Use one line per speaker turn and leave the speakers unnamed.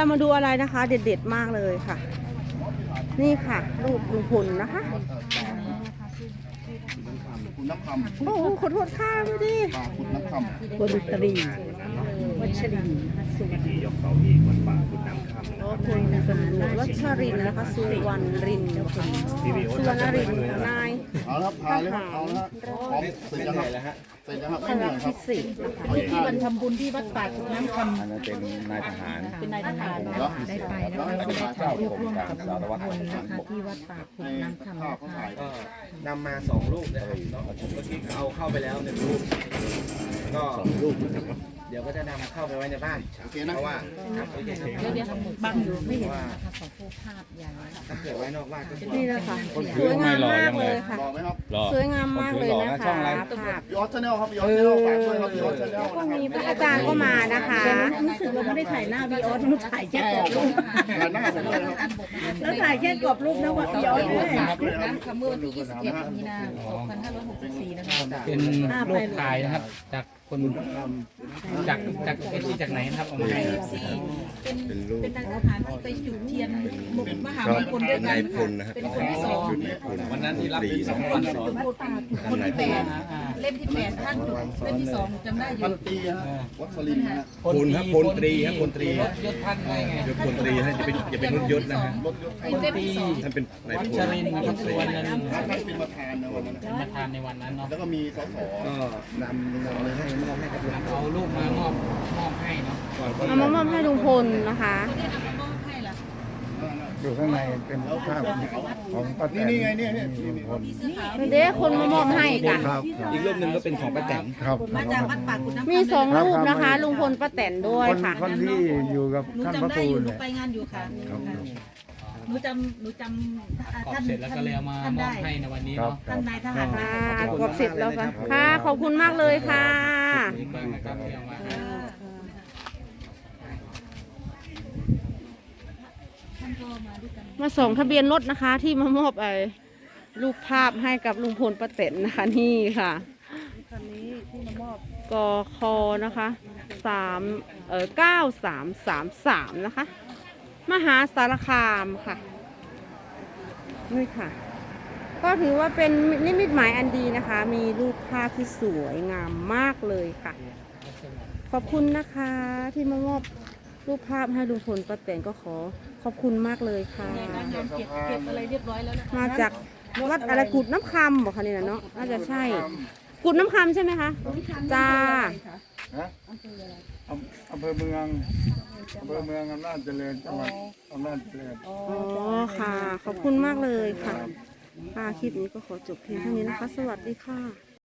เรามาดูอะไรนะคะ เด็ดๆมากเลยค่ะ นี่ค่ะรูปลุงพลนะคะ
คุณน้ำคำ
โอ้โหขอโทษค่ะพี่ดิ
คุณน้ำคำ
คนตรีวัชริน
พิธียกเสาอีกวัดป่าคุณน้ำคำนะ
โอ้คุณตำรวจวัชรินนะคะสุวรรณรินนะคะสุวรรณรินนาย
เอาละครับพาเลยครับเอาละครับพร้อมเสร็จยังครับเสร็จยังครับ
พ
ไม่เหนื่
ระ
อยค
พิ
รับ
เศษนะคะ
ที่วันทำบุญที่วัดป่าขุนน้ำค
อันนั้นเป็นนายทหาร
ำเป็นนายทหาร
ได้ไปนะคะเราได้ถ่ายรูปร่วมกับลุงพลนะคะที่วัดป่าขุนน้ำคำนะคะ
ก็นำมา2 ลูกนะครับเนาะเมื่อกี้เอาเข้าไปแล้ว1 ลูกก็2 ลูกเดี๋ยวก็จะนำเข้าไปไว้ในบ้าน
โอเคนะ
เพราะว่าครับโอเคครับ
เดี๋ยวบังอยู่ไม่เห็นนะคะสองผู้ภาพใหญ่
ถ้าเกิดไว้นอกบ้านก็คือ
นี่นะคะสวยงามมากเลยค่ะ
รอไหมครับ
สวยงามมากเลยนะคะภาพ
พี่ออสชาแนลครับพี่ออสชาแนลฝากด้วยครับพี่ออสชาแนลนะครับ
มีพระอาจารย์ก็มานะคะ
รู้สึกเราไม่ได้ถ่ายหน้าวีออสเราถ่ายแค่กรอบรูป
งานหน้าผมเลยครับ
แล้วถ่ายแค่กรอบรูปนะว่าวีออสด้วย
น้ำ
คำเมื่อวันที่ 21 มีนาคม 2564 นะคะ
เป็นรูปถ่ายนะครับจากคนจากเอซีจากไหนนะครับเอามาให้
เป็นนายทหารที่ไปจุดเทียนมหามงคลด้วยกันเป็นคนที่ 2
วันนั้นที่รับเป็น2 วันซ้อน
คนที่ 8 เล่มที่ 8 ท่านจุดเล่มที่ 2จำได้อ
พั
ยู่
นตีฮะวัชรินทร์ฮะ
พลครับพลตรีครับพลตรี
ยศท่านไงไง
ยศพลตรีฮะจะเป็นรุ่นยศนะฮะ
รถยศ
เล่มที่ 2
ท่านเป็นนาย
วั
พล
ชรินทร์นะครับสุวรรณรินทร์
ท่านเป็นประธานในวันนั้น
เป็นประธานในวันนั้นเนาะ
แล้วก็มีสส
ก็นำอะไรให้มอบให้กับหลวง
เอารูปมามอบให้เนาะ
เอามามอบให้ลุงพลนะคะ
ได้เอามามอบให้ล่ะ
อยู่ข้างในเป็นภาพของป้าแตน
นี่ไงเนี่ย
ลุงพล
เสื้อขาว
เด็กคนมามอบให้กัน
ครับ
อีกรูปหนึ่งก็เป็นของป้าแตน
ครับ
มาจากวัดป่าขุนน้ำคำ
มี2 รูปนะคะ ลุงพลป้าแตนด้วย
คน
ค่ะ
คนที่อยู่กับ
หนู
ท่านพ
จำ
ระ
ได้
ครู
อยู่หนู
เนี่ย
ไปงานอยู่ค่ะหนูจำ
กรอบ
ท่าน
เสร็จแล้วก็เลยเอามามอบให้ในวันนี้เนาะ
ท่านนายทหาร
ค่ะกบเสร็จแล้วค่ะค่ะขอบคุณมากเลยค่ะ
อีกครั้งนะครับที่เอามาให้
ท่านก็มาด้วยกัน
มาส่งทะเบียนรถนะคะ ที่มามอบรูปภาพให้กับลุงพลป้าแตนนะคะนี่ค่ะคันนี้ที่มามอบกคนะคะ9333นะคะ มหาสารคามค่ะนี่ค่ะ ก็ถือว่าเป็นนิมิตหมายอันดีนะคะ มีรูปภาพที่สวยงามมากเลยค่ะ ขอบคุณนะคะที่มามอบรูปภาพให้ลุงพลป้าแตนก็ขอบคุณมากเลยค่ะ
ในการงานเก็บอะไรเรียบร้อยแล้วนะ
มาจากวัดอะไรกุดน้ำคำบอกค่ะนี่นะเนาะน่าจะใช่ กุดน้ำคำใช่ไหมคะจ้า
ฮะอำเภอเมืองอำนาจเจริญจังหวัดอำนาจเจริญ
อ๋อค่ะ ขอบคุณมากเลยค่ะค่ะคลิปนี้ก็ขอจบเพียงเท่านี้นะคะ สวัสดีค่ะ